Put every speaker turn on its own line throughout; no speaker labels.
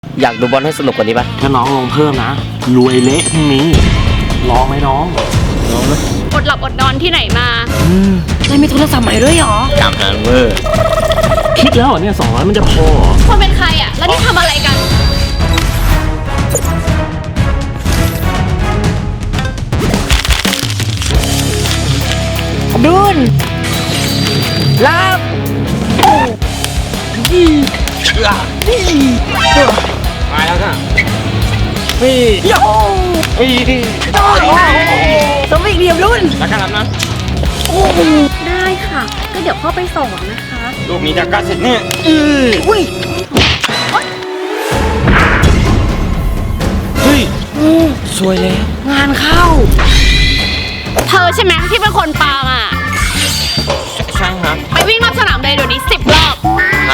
อยากดูบอลให้สนุกกว่านี้ปะ
ถ้าน้องลงเพิ่มนะรวยเละพรุ่งนี้ลองไหมน้องลองไหม
อดหลับอดนอนที่ไหนมา
เลยมีโทรศัพท์ใหม่ด้วยเหรอ
กำหันเวอร์
คิดแล้วเหรอเนี่ย200มันจะพอเหรอ
คนเป็นใครอ่ะ แล้วนี่ทำอะไรกัน
ดุนรับ
มาแล้วค่ะ
โย่สวิงเดียมรุ่น
แล้วกันรับนะ
ได้ค่ะ ก็เดี๋ยวพ่อไปส่งนะคะ
ลูกนี้จะกัดเสร็จเนี่ย
อุ้ย
เฮ้ยสวยแล้ว
งานเข้า
เธอใช่ไหมที่เป็นคนปาอ่ะ
ใช่ครับ
ไปวิ่งรอบสนามเลยเดี๋ยวนี้10 รอบ
ครับ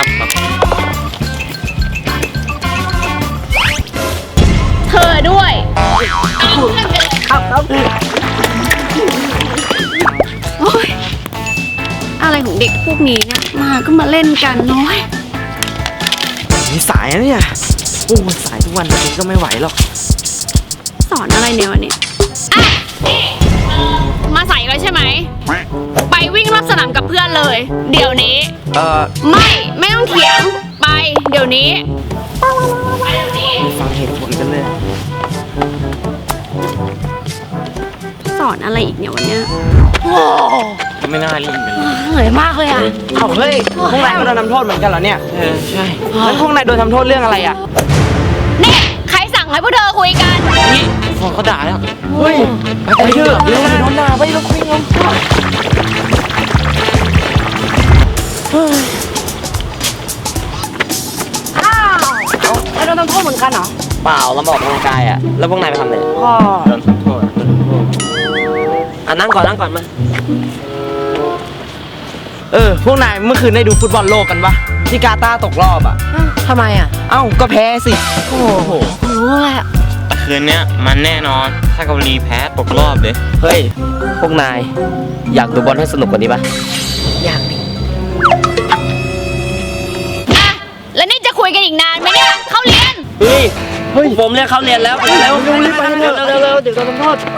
เธอด้วย
ครับ
โอ๊ยอะไรของเด็กพวกนี้เนี่ย มาก็มาเล่นกันน้อย
นี่สายนะเนี่ยโอ้สายทุกวันแบบนี้ก็ไม่ไหวหรอก
สอนอะไรเนี่ยวันนี้อ่ะนี่มาใส่เลยใช่ไหม ไปวิ่งรอบสนามกับเพื่อนเลย เดี๋ยวนี้ ไม่ต้องเถียง ไป เดี๋ยวนี้ ไปเดี๋ยวนี้
ฟังเหตุผลกันเลย
สอนอะไรอีกเนี่ยวันเนี้ย
ก็ไม่น่ารีบกันเลย
เหนื่อยมากเลยอ่ะเอาเฮ้ยพวกนายก็โดนทำโทษเหมือนกันเหรอเนี่ย
ใช่
แล้วพวกนายโดนทำโทษเรื่องอะไรอ่ะ
นี่ใครสั่งให้พวกเธอคุยกัน
นี่ฟองเขาด่าแล้ว
เฮ้ยไปเถอะเร็วโดนด่าไปแล้วคุยกันอ้าวแล้วโดนทำโทษเหมือนกันเหรอ
เปล่าเรามาออกกำลังกายอ่ะแล้วพวกนายไปทำอะไร
ก็
โดนโทษนั่งก่อนมา
พวกนายเมื่อคืนได้ดูฟุตบอลโลกกันปะที่กาตาร์ตกรอบอ่ะ
ทำไมอ่ะ
เอ้าก็แพ้สิ
โอ้โหรู้แหละ
คืนเนี้ยมันแน่นอน ถ้าเกาหลีแพ้ตกรอบเลยเฮ้ยพวกนายอยากดูบอลให้สนุกกว่านี้ปะ
อยากดิ
อ่ะ แล้วนี่จะคุยกันอีกนานไหมเนี่ย เข้าเรียน
เฮ้ยผมเรียกเขาเรียนแล้วไปเร็วรีบไปเร็วเดี๋ยวโดนทำโทษ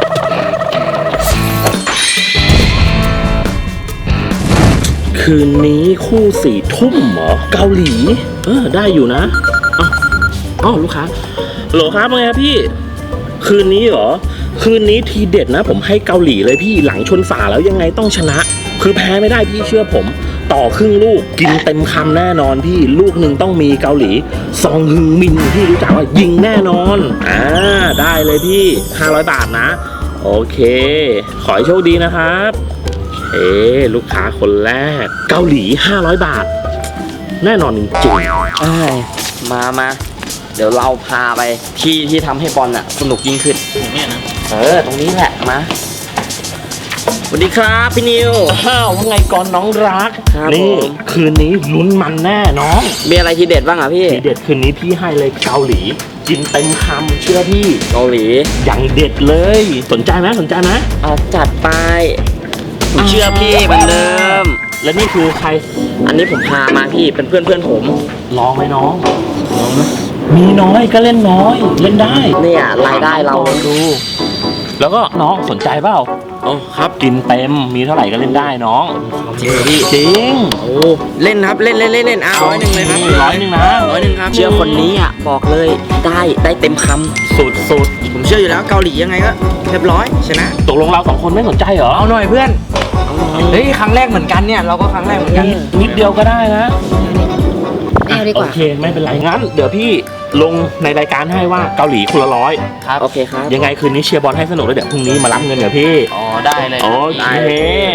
คืนนี้คู่4 ทุ่มเหรอเกาหลีได้อยู่นะอ๋อลูกค้าโหลครับว่าไงครับพี่คืนนี้เหรอคืนนี้ทีเด็ดนะผมให้เกาหลีเลยพี่หลังชนฝาแล้วยังไงต้องชนะ คือแพ้ไม่ได้พี่เชื่อผมต่อครึ่งลูกกินเต็มคำแน่นอนพี่ลูกหนึ่งต้องมีเกาหลีซองฮึงมินพี่รู้จักว่ายิงแน่นอนได้เลยพี่500 บาทนะโอเคขอให้โชคดีนะครับลูกค้าคนแรกเกาหลี500 บาทแน่นอนจริงๆ
มาเดี๋ยวเราพาไปที่ทำให้บอลอ่ะสนุกยิ่งขึ้นเนี่ยนะตรงนี้แหละมาสวัสดีครับพี่นิว
ว่าไงก่อนน้องรัก
ครับ
นี่
ผม
คืนนี้ลุ้นมันแน่น้อง
มีอะไรทีเด็ดบ้างอ่ะพี่
ทีเด็ดคืนนี้พี่ให้เลยเกาหลี กินเต็มคำเชื่อพี่
เกาหลี
อย่างเด็ดเลยสนใจไหม
เอาจัดไปผมเชื่อพี่เหมือนเดิม
และนี่คือใคร
อันนี้ผมพามาพี่เป็นเพื่อนผม
ลองไหมน้องมีน้อยก็เล่นน้อยเล่นได้
เนี่ยรายได้เรา
ลองดู แล้วก็น้องสนใจเปล่า
อ๋อครับ
กินเต็มมีเท่าไหร่ก็เล่นได้น้อง
จริงเหรอพี่
จริง
โอ้
เล่นครับเล่น100เลยครับ
100นะ
100ครับ
เชื่อคนนี้อ่ะบอกเลยได้เต็มค
สุด
ผมเชื่ออยู่แล้วเกาหลียังไงก็เรียบร้อยชนะ
ตกลงเรา2 คนไม่สนใจเหรอ
เอาหน่อยเพื่อนเฮ้ยครั้งแรกเหมือนกันเนี่ยเราก็ครั้งแรกเหมือนกัน
นิดเดียวก็ได้นะ
ไม่เอาดีกว่า
โอเคไม่เป็นไรงั้นเดี๋ยวพี่ลงในรายการให้ว่าเกาหลีคนละ100
ำครับโอเคครับ
ยังไงคืนนี้เชียร์บอลให้สนุกแล้วเดี๋ยวพรุ่งนี้มารับเงินเดี๋ยวพี่
อ๋อได้เลย
โอเค
ได้เลย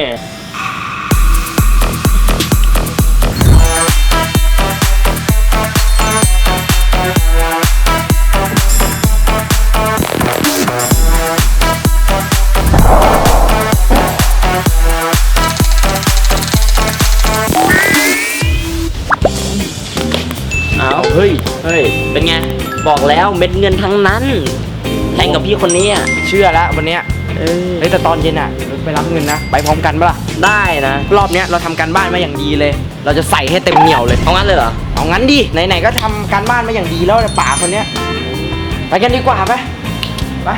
เอาเฮ้ยเป็นไงบอกแล้วเม็ดเงินทั้งนั้นแข่งกับพี่คนนี้อ่ะ
เชื่อแล้ววันเนี้ยเฮ้ยแต่ตอนเย็นอ่ะไปรับเงินนะไปพร้อมกันปะล่ะ
ได้นะ
รอบเนี้ยเราทำการบ้านมาอย่างดีเลย เราจะใส่ให้เต็มเหนียวเลย
เอางั้นเลยเหรอ
เอางั้นดิไหนๆก็ทำการบ้านมาอย่างดีแล้วป่าคนเนี้ยไปกันดีกว่าไปไป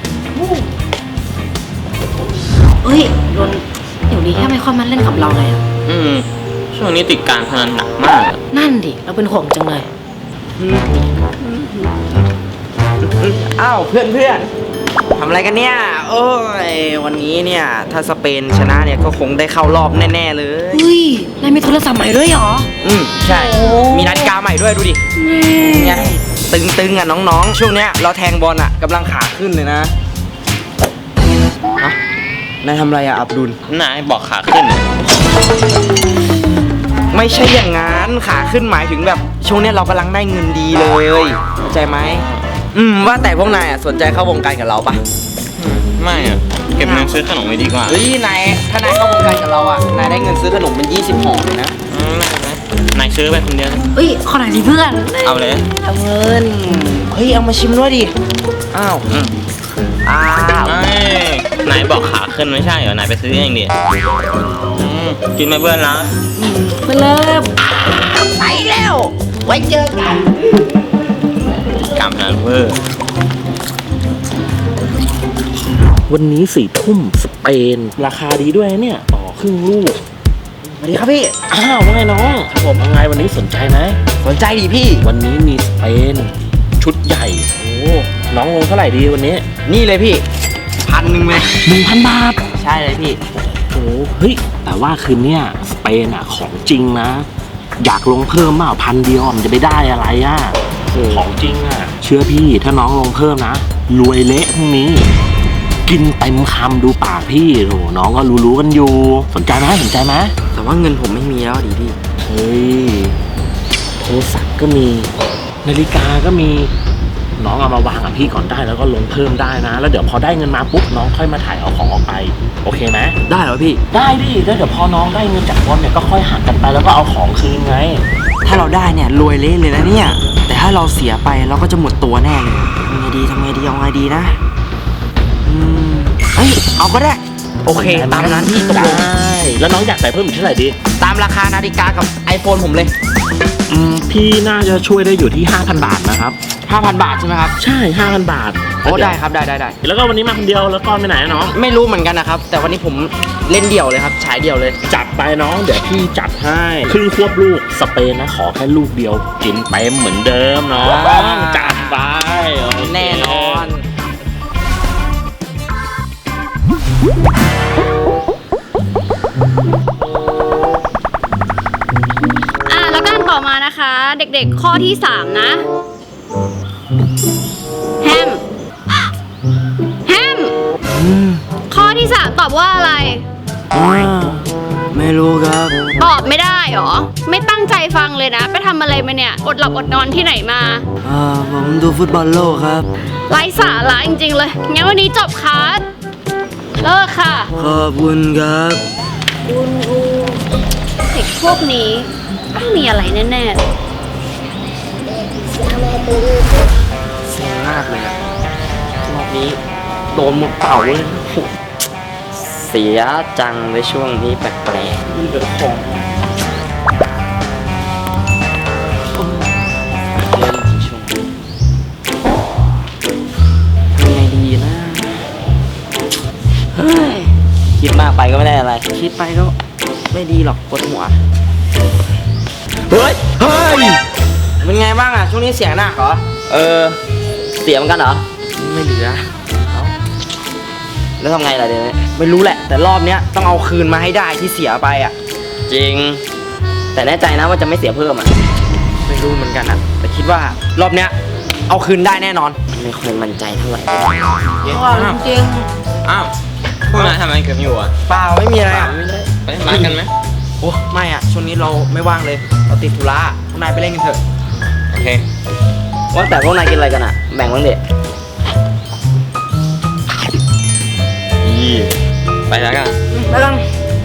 เฮ้ยโดนเดี๋ยวนี้แค่ไม่ค่อยมาเล่นกับเราเลยอะ
ช่วงนี้ติดการพนันหนักมากอะ
นั่นดิ เราเป็นห่วงจังเลย
อ้าวเพื่อนทำอะไรกันเนี่ยโอ้ยวันนี้เนี่ยถ้าสเปนชนะเนี่ยก็คงได้เข้ารอบแน่ๆเลย
เฮ้ยนายมีโทรศัพท์ใหม่ด้วยเหรอ
ใช่ มีนาฬิกาใหม่ด้วยดูดิเนี่ยตึงๆอ่ะน้องๆช่วงเนี้ยเราแทงบอลอ่ะกำลังขาขึ้นเลยนะนายทำอะไรอ่ะอับดุล
นายบอกขาขึ้นอะ
ไม่ใช่อย่างงั้นขาขึ้นหมายถึงแบบช่วงเนี้ยเรากำลังได้เงินดีเลยเข้าใจไหมว่าแต่พวกนายอ่ะสนใจเข้าวงการกับเราปะ
ไม่อะเก็บเงินซื้อขนมไว้ดีกว่า
เฮ้ยนายถ้านายเข้าวงการกับเราอ่ะนายได้เงินซื้อขนมเป็น20ห่อเลยนะ
ไม่นายซื้อไปคนเดียว
เฮ้ยขอหน่อยดิเพื่อน
เอาเลย
เอาเงินเฮ้ยเอามาชิมด้วยดิอ้าวอ้าว
ไม่นายบอกขาขึ้นไม่ใช่เหรอนายไปซื้อเองดิกินไหมเพื่อนนะ
เพื่อนเริ่ม
ไปแล้วไว้เจอกัน
กำนันเพื่อ
วันนี้4 ทุ่มสเปน ราคาดีด้วยนะเนี่ยต่อครึ่งลูก
สวัสดีครับพี่
อ้าวว่าไงน้องครับผมว่าไงวันนี้สนใจไหม
สนใจดิพี่
วันนี้มีสเปน ชุดใหญ่โอ้น้องลงเท่าไหร่ดีวันนี้
นี่เลยพี่1,000เลย
1,000 บาท
ใช่เลยพี่
โอ้เฮ้ยแต่ว่าคืนเนี้ยสเปนอ่ะของจริงนะ อยากลงเพิ่มเปล่า1,000 เดียวมันจะไปได้อะไรอ่ะของจริงอ่ะเชื่อพี่ถ้าน้องลงเพิ่มนะรวยเละพรุ่งนี้ กินเต็มคำดูปากพี่โหน้องก็รู้ๆกันอยู่สนใจไหมสนใจไหม
แต่ว่าเงินผมไม่มีแล้วดิพี่
เฮ้ยโทรศัพท์ก็มีนาฬิกาก็มีน้องเอามาวางกับพี่ก่อนได้แล้วก็ลงเพิ่มได้นะ แล้วเดี๋ยวพอได้เงินมาปุ๊บน้องค่อยมาถ่ายเอาของออกไปโอเคไหม
ได้เหรอพี่
ได้ดิแล้วเดี๋ยวพอน้องได้เงินจากบอลเนี่ยก็ค่อยหักกันไปแล้วก็เอาของคืนไง
ถ้าเราได้เนี่ยรวยเละเลยนะเนี่ยแต่ถ้าเราเสียไปเราก็จะหมดตัวแน่เลยทำไงดีเอาไงดีนะเฮ้ยเอาก็ได้โอเคตามนั้นพี่ตกลง
ได้แล้วน้องอยากใส่เพิ่มอีกเท่าไหร่ดี
ตามราคานาฬิกากับ iPhone ผมเลย
พี่น่าจะช่วยได้อยู่ที่ 5,000 บาทนะครับ
5,000 บาทใช่ไหมครับ
ใช่ 5,000 บาท
โอ้ได้ครับได้
แล้วก็วันนี้มาคนเดียวแล้วก็ไปไหนอะน้อง
ไม่รู้เหมือนกันนะครับ แต่วันนี้ผมเล่นเดี่ยวเลยครับฉายเดี่ยวเลย
จัดไปน้องเดี๋ยวพี่จัดให้ครึ่งควบลูกสเปนนะขอแค่ลูกเดียวกินเต็มเหมือนเดิมน้องจัดไปโอเค
แน่นอน
แล้วกันต่อมานะคะ เด็กๆข้อที่ 3 นะแฮมข้อที่ 3 ตอบว่าอะไร
ไม่รู้ครับ
ตอบไม่ได้หรอ ไม่ตั้งใจฟังเลยนะ ไปทำอะไรมาเนี่ย อดหลับอดนอนที่ไหนมา
ผมดูฟุตบอลโลกครับ
ไร้สาระจริงๆเลย งั้นวันนี้จบคลาสเลิกค่ะ
ขอบคุณครับ
เด็กพวกนี้ต้องมีอะไรแน่ๆ
เสียมากเลยอะรอบนี้โดนหมดเป่าเลย
เสียจังในช่วงนี้แปลก
มีแต่ของ
ๆเล่นที่ช่วงนี้
ทำไงดีนะ
คิดมากไปก็ไม่ได้อะไร
คิดไปก็ไม่ดีหรอกปวดหัว
เฮ้ย
เป็นไงบ้างอะช่วงนี้เสียงหนักเหรอ
เสียเหมือนกันเหรอ
ไม่เหลือ
แล้วทำไงล่ะเดี๋ยวนี้
ไม่รู้แหละ แต่รอบเนี้ยต้องเอาคืนมาให้ได้ที่เสียไปอะ
จริง แต่แน่ใจนะว่าจะไม่เสียเพิ่มอ่ะ
ไม่รู้เหมือนกันอะแต่คิดว่ารอบเนี้ยเอาคืนได้แน่นอน
ไม่ค่อยมั่นใจเท่าไหร่
จริง
อ้าวพวกนายทำอะไรกันอยู่อ่ะ
เปล่าไม่มีอะไรอะ
ไปมากันไหม
โอ้ไม่อะช่วงนี้เราไม่ว่างเลยเราติดธุระพวกนายไปเล่นกันเถอะ
โอเค
ว่าแต่พวกนายกินอะไรกันอ่ะ แบ่งบ้างดิ
ไปแล้วกัน
แล้วกัน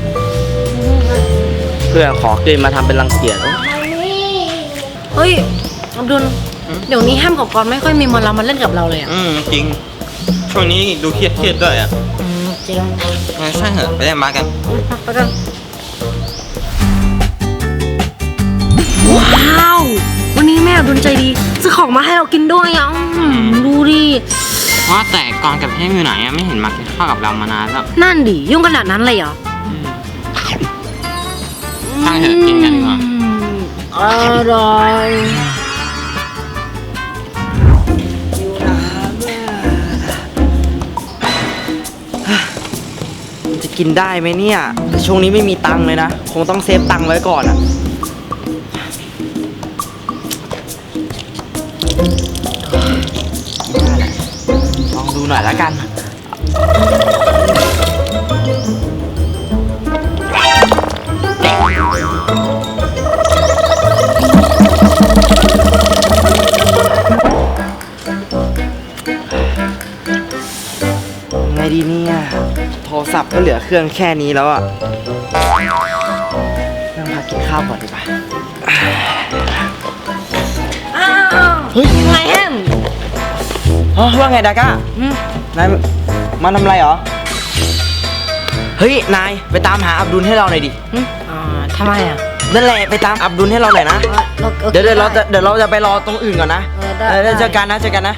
เพื่อนขอกินมาทำเป็นรังเกียจ
เฮ้ยอับดุลเดี๋ยวนี้แฮมกับกอนไม่ค่อยมีมันเรามาเล่นกับเราเลยอ่ะ
จริง ช่วงนี้ดูเครียดด้วยอ่ะ
จริง
งั้นช่างเถอะไปเล่นบาสกัน
ไปกันว้าว วันนี้แม่ดุลใจดีซื้อของมาให้เรากินด้วยอ่ะดูดิ
ว่าแต่กรกับเทพอยู่ไหนอะไม่เห็นมากินข้าวกับเรามานานแล้ว
นั่นดิยุ่งขนาดนั้นเลยเหรอ
ตั้งเถอะกินกันดีกว่า
อร่อย
จะกินได้ไหมเนี่ยแต่ช่วงนี้ไม่มีตังค์เลยนะ คงต้องเซฟตังค์ไว้ก่อนอะได้แหละลองดูหน่อยละกัน ไงดีเนี่ย โทรศัพท์ก็เหลือเครื่องแค่นี้แล้วอ่ะนั่งพักกินข้าวก่อนดีกว่า
อ้าว
เฮ้ย
ยังไงแฮม
อ๋อว่าไงดาก้า นายมาทำอะไรเหรอ เฮ้ย นายไปตามหาอับดุลให้เราหน่อยดิ
ทำไมอ่ะ
นั่นแหละไปตามอับดุลให้เราหน่อยนะ เดี๋ยวเราจะไปรอตรงอื่นก่อนนะ
ได้
เดี๋ยวเจอกันนะเจอกัน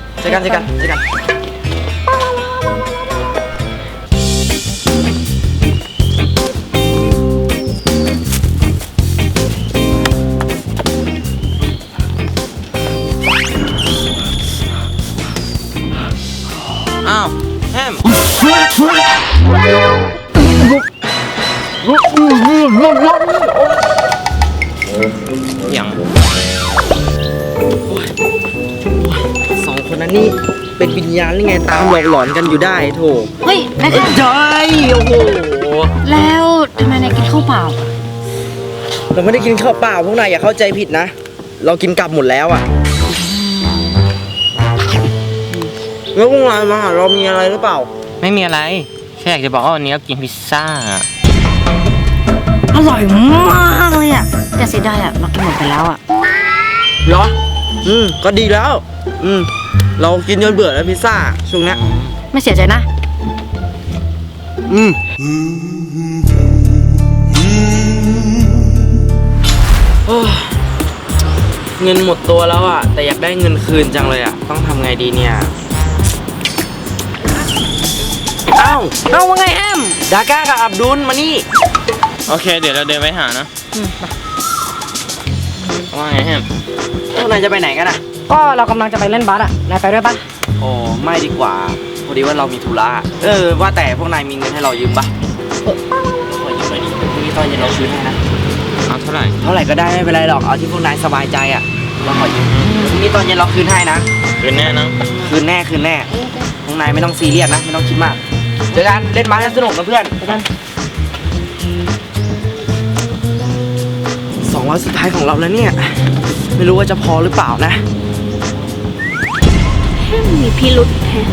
อ้าวแฮมอย่างสองคนนั้นนี่เป็นวิญญาณหรือไงตามหลอกหลอนกันอยู่ได้โถ
เฮ้ยนายแฮม
ใช่โอ้โห
แล้วทำไมนายกินข้าวเปล่า
เราไม่ได้กินข้าวเปล่าพวกนายอย่าเข้าใจผิดนะ เรากินกลับหมดแล้วอ่ะแล้วพวกนายมาหาเรามีอะไรหรือเปล่า
ไม่มีอะไร แค่อยากจะบอกว่าวันนี้เรากินพิซซ่า
อร่อยมากเลยอ่ะแต่เสียดายอ่ะเรากินหมดไปแล้วอ่ะ
เหรอ ก็ดีแล้ว เรากินจนเบื่อแล้วพิซซ่าช่วงเนี้ย
ไม่เสียใจนะ
โอ้ยเงินหมดตัวแล้วอ่ะ แต่อยากได้เงินคืนจังเลยอ่ะ ต้องทำไงดีเนี่ยเอ้า
เอาว่าไงแฮม
ดาก้ากับอับดุลมานี่
โอเค เดี๋ยวเราเดินไปหานะว่าไงแฮม
พวกนายจะไปไหนกันอ่ะ
ก็เรากำลังจะไปเล่นบาสอ่ะนายไปด้วยปะ
โอ้ไม่ดีกว่า พอดีว่าเรามีธุระว่าแต่พวกนายมีเงินให้เรายืมปะขอยืมหน่อยดิพรุ่งนี้ตอนเย็นเราคืนให้นะ
เอาเท่าไหร่
เท่าไหร่ก็ได้ไม่เป็นไรหรอก เอาที่พวกนายสบายใจอ่ะเราขอยืมพรุ่งนี้ตอนเย็นเราคืนให้นะ
คืนแน่นะ
คืนแน่พวกนายไม่ต้องซีเรียสนะ ไม่ต้องคิดมาก เจอกันเล่นบาสกันสนุกนะเพื่อนเจอกัน200สุดท้ายของเราแล้วเนี่ย ไม่รู้ว่าจะพอหรือเปล่านะ
มีพิรุษแฮะ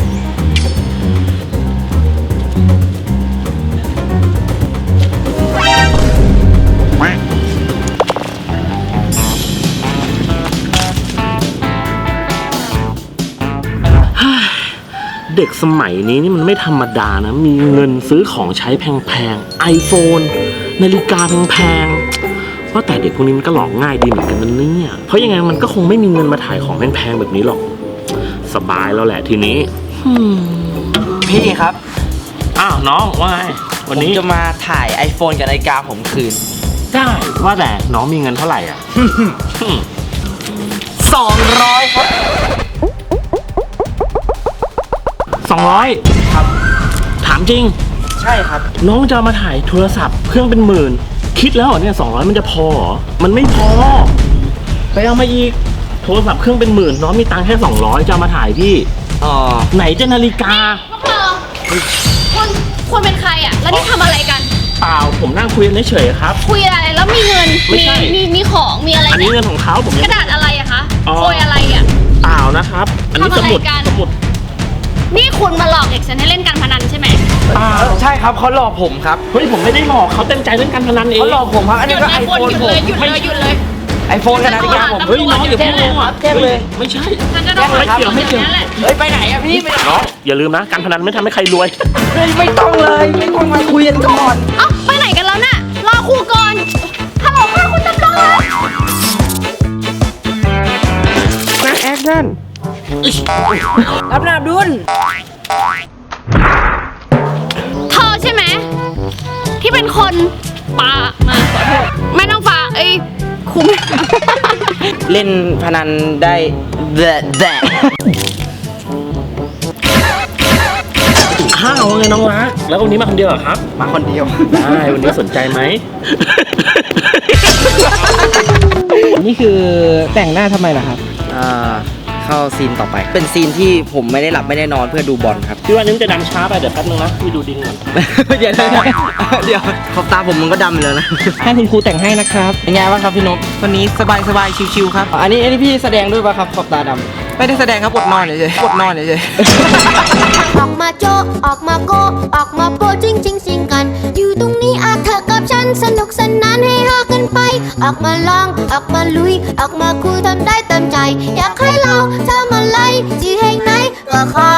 เด็กสมัยนี้นี่มันไม่ธรรมดานะ มีเงินซื้อของใช้แพงๆ iPhone นาฬิกาแพงๆว่าแต่เด็กพวกนี้มันก็หลอกง่ายดีเหมือนกันนะเนี่ย เพราะยังไงมันก็คงไม่มีเงินมาถ่ายของแพงๆแบบนี้หรอก สบายแล้วแหละทีนี้
พี่ครับ
อ้าวน้องว่าไงวันนี้
ผมจะมาถ่าย iPhone กับนาฬิกาผมคืน
ได้ว่าแต่น้องมีเงินเท่าไหร่อ่ะ
200 ครับ
200ครับถามจริง
ใช่ครับ
น้องจะเอามาถ่ายโทรศัพท์เครื่องเป็นหมื่น คิดแล้วเหรอเนี่ย200มันจะพอเหรอมันไม่พอไปเอามาอีกโทรศัพท์เครื่องเป็นหมื่นน้องมีตังค์แค่200จะเอามาถ่ายพี่ ไหนจะนาฬิกา
พวกเธอคุณเป็นใครอ่ะ แล้วนี่ทำอะไรกัน
เปล่าผมนั่งคุยกันเฉยๆครับ
คุยอะไร แล้วมีเงิน
ไม่ใช่
มีของ มีอะไร
อันนี้
เนี่ย
เงินของเขาผม
ก
ยัง
ระดาษอะไรอะคะ
อ๋อ
โอยอะไรอะ
เปล่านะครับ อันนี้
ทำอะไร
สมุด
กัน
สมุด
นี่คุณมาหลอกเด็กฉันให้เล่นการพนันใช่ไหม
ใช่ครับเขาหลอกผมครับ
เฮ้ยผมไม่ได้หลอกเขาเต็มใจเล่นการพนันเอง
เขาหลอกผมครับ อัน
หยุ
นี้
ด
ก็
เลย
ไอ
ค
โฟ
น
น
หยุด
ผม
เลยหยุดเลยหยุดเลย
ไอโฟนกับนาฬิกาผม
เฮ้ยน้องอย่าเพิ่ง
แจ้งเลยครับแจ้งเลย
ไม่ใช่
ฉันจะโดน
ไม่เกี่ยวไม่เกี่ยว
นั่นแหละ
เฮ้ยไปไหนอะพี่ไปไหน
น้องอย่าลืมนะการพนันไม่ทำให้ใครรวย
เฮ้ยไม่ต้องเลยไม่ต้องมาคุยกันก่อน
เอ้าไปไหนกันแล้วน่ะ รอครูก่อน ฮัลโหลค่ะคุณตำรวจ
ชั่นรับนาบดุล
เธอใช่ไหมที่เป็นคนปามาขอโทษไม่ต้องฟ้าคุ้ม
เล่นพนันได้แดะ
ข้าวไงน้องรัก แล้ววันนี้มาคนเดียวเหรอครับ
มาคนเดียว
ได้วันนี้สนใจไหม
นี่คือแต่งหน้าทำไมล่ะครับ
เข้าซีนต่อไป เป็นซีนที่ผมไม่ได้หลับไม่ได้นอนเพื่อดูบอลครับ
พี่ว่านี้มันจะดำช้าไปเดี๋ยวแป๊บนึงนะพี่ดูดินก่อน
เดี๋ยวขอบตาผมมันก็ดำอยู่แล้วนะ
ให้คุณครูแต่งให้นะครับ
เป็นไงบ้างครับพี่นกวันนี้สบายชิวๆครับ อันนี้พี่แสดงด้วยป่ะครับขอบตาดำไม่ได้แสดงครับอดนอนเฉยๆอดนอนเฉย
ออกมาโจะออกมาโกะออกมาโปะจริงจริงสิงกัน อยู่ตรงนี้เธอกับฉันสนุกสนานให้ฮากันไป ออกมาลองออกมาลุย ออกมาคุยทำได้เต็มใจ อยากให้เราทำอะไรที่แห่งไหนก็ขอ